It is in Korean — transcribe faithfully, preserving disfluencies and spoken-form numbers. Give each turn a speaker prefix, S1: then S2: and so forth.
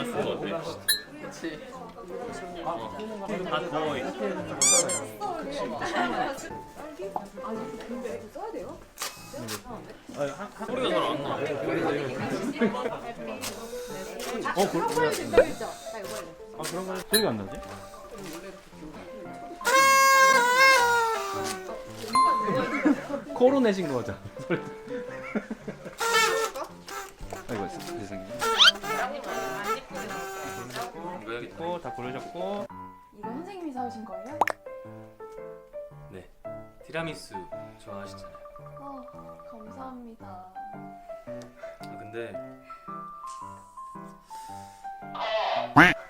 S1: 거 같아.
S2: 그치.
S1: 다 더워. 소리가 잘 안 나.
S3: 어, 그,
S4: 초콜릿 된다고 했죠? 나 이거 할래.
S3: 아, 그런 거 소리가 안 나지? 코로 내신 거죠? 소리. 아이고, 세상에. 있고 다 고르셨고.
S4: 이거 선생님이 사오신 거예요?
S1: 네. 티라미수 좋아하시잖아요.
S4: 아, 감사합니다.
S1: 아, 근데